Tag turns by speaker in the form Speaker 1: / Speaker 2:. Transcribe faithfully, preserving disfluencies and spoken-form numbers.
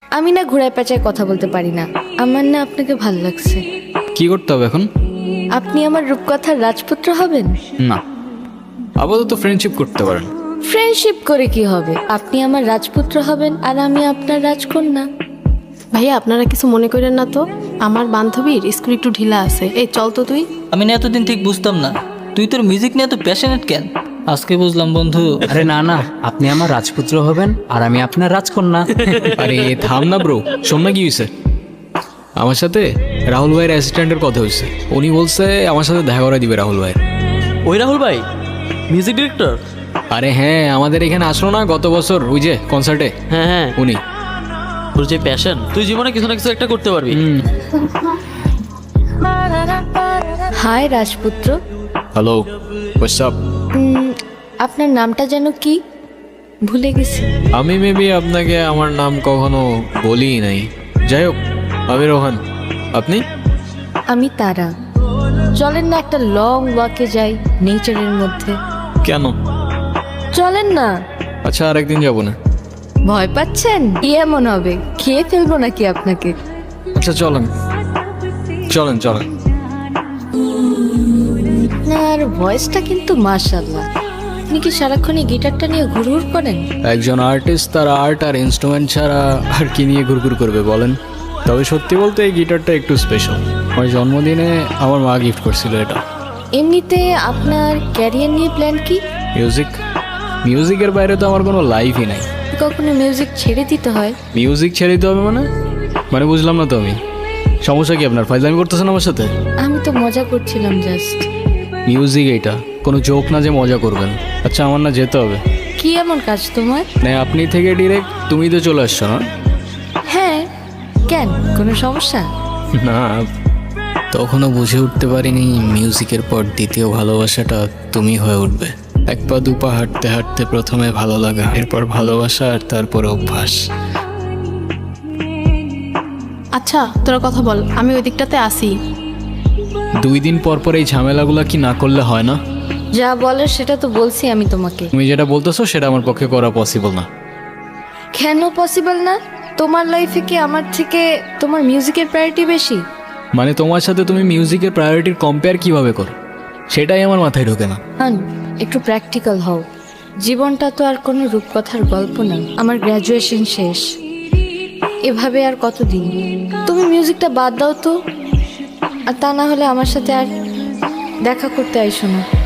Speaker 1: আমি না ঘোড়ায় পেঁচায় কথা বলতে পারি না। আমার না আপনাকে ভাল লাগছে।
Speaker 2: কি করতে হবে এখন?
Speaker 1: আপনি আমার রূপকথার রাজপুত্র হবেন।
Speaker 2: না, আপাতত ফ্রেন্ডশিপ করতে পারেন।
Speaker 1: ফ্রেন্ডশিপ করে কি হবে? আপনি আমার রাজপুত্র হবেন আর আমি আপনার রাজকন্যা।
Speaker 3: ভাইয়া আপনারা কিছু মনে করেন না তো, আমার বান্ধবীর স্কুল একটু ঢিলা আছে। এই চল তো তুই।
Speaker 4: আমি না এতদিন ঠিক বুঝতাম না তুই তোর মিউজিক নিয়ে এত প্যাশনেট কেন, আজকে বুঝলাম বন্ধু।
Speaker 5: আরে না না, আপনি আমার রাজপুত্র হবেন আর আমি আপনার রাজকন্যা।
Speaker 2: আরে থাম না ব্রো, শোন না কি হয়েছে। আমার সাথে রাহুল ভাইয়ের অ্যাসিস্ট্যান্টের কথা হয়েছে। উনি বলছে আমার সাথে দেখা করে দিবে রাহুল ভাই।
Speaker 4: ওই রাহুল ভাই মিউজিক ডিরেক্টর?
Speaker 2: আরে হ্যাঁ, আমাদের এখানে আসলো না গত বছর ওই যে কনসার্টে,
Speaker 4: হ্যাঁ হ্যাঁ,
Speaker 2: উনি।
Speaker 4: তোর যে প্যাশন, তুই জীবনে কিছু না কিছু একটা করতে পারবি।
Speaker 1: হাই রাজপুত্র।
Speaker 2: Hello, what's up?
Speaker 1: উম, আপনার নামটা যেন কি? ভুলে গেছি।
Speaker 2: আমি মেবি আপনাকে আমার নাম কখনো বলিই নাই। যাই হোক, আমি রোহান। আপনি?
Speaker 1: আমি তারা। চলেন না একটা লং ওয়াকে যাই নেচারের মধ্যে।
Speaker 2: কেন?
Speaker 1: চলেন না।
Speaker 2: আচ্ছা, আরেকদিন যাবো না।
Speaker 1: ভয় পাচ্ছেন? কি এমন হবে, খেয়ে ফেলবো নাকি আপনাকে?
Speaker 2: আচ্ছা চলেন চলেন চলেন।
Speaker 1: আপনার ভয়েসটা কিন্তু মাশাআল্লাহ। আপনি কি সারাক্ষণ এই গিটারটা নিয়ে ঘুরঘুর করেন?
Speaker 2: একজন আর্টিস্ট তার আর্ট আর ইনস্ট্রুমেন্ট ছাড়া আর কি নিয়ে ঘুরঘুর করবে বলেন? তবে সত্যি বলতে এই গিটারটা একটু স্পেশাল। আমার জন্মদিনে আমার মা গিফট করছিল এটা।
Speaker 1: এমনিতে আপনার ক্যারিয়ার নিয়ে প্ল্যান কি?
Speaker 2: মিউজিক। মিউজিকের বাইরে তো আমার কোনো লাইফই নাই।
Speaker 1: কখনো মিউজিক ছেড়ে দিতে হয়?
Speaker 2: মিউজিক ছেড়ে দিতে হবে মানে? মানে বুঝলাম না তো আমি। সমস্যা কি আপনার? ফাইজলামি করতেছেন আমার সাথে?
Speaker 1: আমি তো মজা করছিলাম জাস্ট।
Speaker 2: মিউজিক এইটা কোনো জোক না যে মজা করবেন। আচ্ছা, আমার না যেতে হবে।
Speaker 1: কি এমন কাজ তোমার?
Speaker 2: না, আপনি থেকে ডিরেক্ট তুমি তো চলে আসছো না?
Speaker 1: হ্যাঁ, কেন, কোনো সমস্যা?
Speaker 2: না, তখনও বুঝে উঠতে পারিনি মিউজিকের পর দ্বিতীয় ভালোবাসাটা তুমি হয়ে উঠবে। এক পা দু পা হাঁটতে হাঁটতে প্রথমে ভালো লাগা, এরপর ভালোবাসা, আর তারপর অভ্যাস।
Speaker 3: আচ্ছা তোরা কথা বল, আমি ওই দিকটাতে আসি।
Speaker 2: দুই দিন পর পর এই ঝামেলাগুলো কি না করলে হয় না?
Speaker 1: যা বলার সেটা তো বলছি আমি তোমাকে।
Speaker 2: তুমি যেটা বলতেছো সেটা আমার পক্ষে করা পসিবল না।
Speaker 1: কেন পসিবল না? তোমার লাইফে কি আমার থেকে তোমার মিউজিকের প্রায়োরিটি বেশি?
Speaker 2: মানে তোমার সাথে তুমি মিউজিকের প্রায়োরিটির কম্পেয়ার কিভাবে করো সেটাই আমার মাথায় ঢোকে না।
Speaker 1: হান, একটু প্র্যাকটিক্যাল হও। জীবনটা তো আর কোনো রূপকথার গল্প না। আমার গ্র্যাজুয়েশন শেষ, এভাবে আর কতদিন? তুমি মিউজিকটা বাদ দাও তো, আর তা না হলে আমার সাথে আর দেখা করতে আইসো না।